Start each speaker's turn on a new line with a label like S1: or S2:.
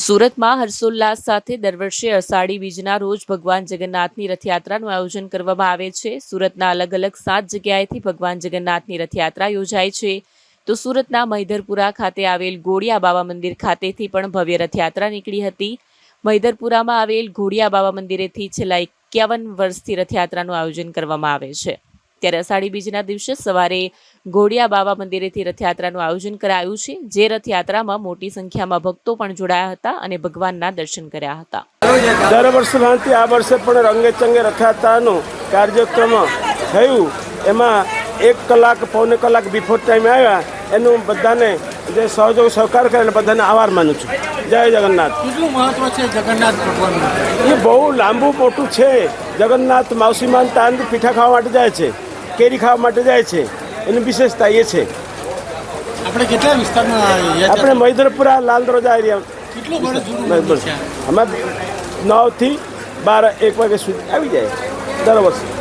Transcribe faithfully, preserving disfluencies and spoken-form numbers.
S1: સુરતમાં હર્ષોલ્લાસ સાથે દર વર્ષે અષાઢી બીજના રોજ ભગવાન જગન્નાથની રથયાત્રાનું આયોજન કરવામાં આવે છે। સુરતના અલગ અલગ સાત જગ્યાએથી ભગવાન જગન્નાથની રથયાત્રા યોજાય છે। તો સુરતના મહિધરપુરા ખાતે આવેલ ગોળિયા બાબા મંદિર ખાતેથી પણ ભવ્ય રથયાત્રા નીકળી હતી। મહિધરપુરામાં આવેલ ગોળિયા બાબા મંદિરેથી છેલ્લા એકાવન વર્ષથી રથયાત્રાનું આયોજન કરવામાં આવે છે। ત્યારે અષાઢી બીજના દિવસે સવારે ગોળિયા બાબા મંદિરેથી રથયાત્રાનું આયોજન કરાયું છે, જે રથયાત્રામાં મોટી સંખ્યામાં ભક્તો પણ જોડાયા હતા અને ભગવાનના દર્શન કર્યા હતા।
S2: દર વર્ષ ભાંતિ આ વર્ષે પણ રંગે ચંગે રથયાત્રાનો કાર્યક્રમ થયું। એમાં એક કલાક પૌને કલાક બિફોર ટાઈમ આવ્યા એનું બધાને જે સહયોગ સહકાર કરે એને બધાને આભાર માનું છું। જય જગન્નાથ।
S3: કેટલું મહત્વ છે જગન્નાથ ભગવાનનું?
S2: એ બહુ લાંબુ મોટું છે। જગન્નાથ માવસીમાન તાંદ પીઠા ખાવા માટે જાય છે, કેરી ખાવા માટે જાય છે, એની વિશેષતા એ છે।
S3: આપણે કેટલા વિસ્તારમાં
S2: આપણે મહિધરપુરા લાલ દરવાજા એરિયા
S3: કેટલું વર્ષ જૂનું છે?
S2: અમે નવથી બાર એક વાગ્યા સુધી આવી જાય દર વર્ષે।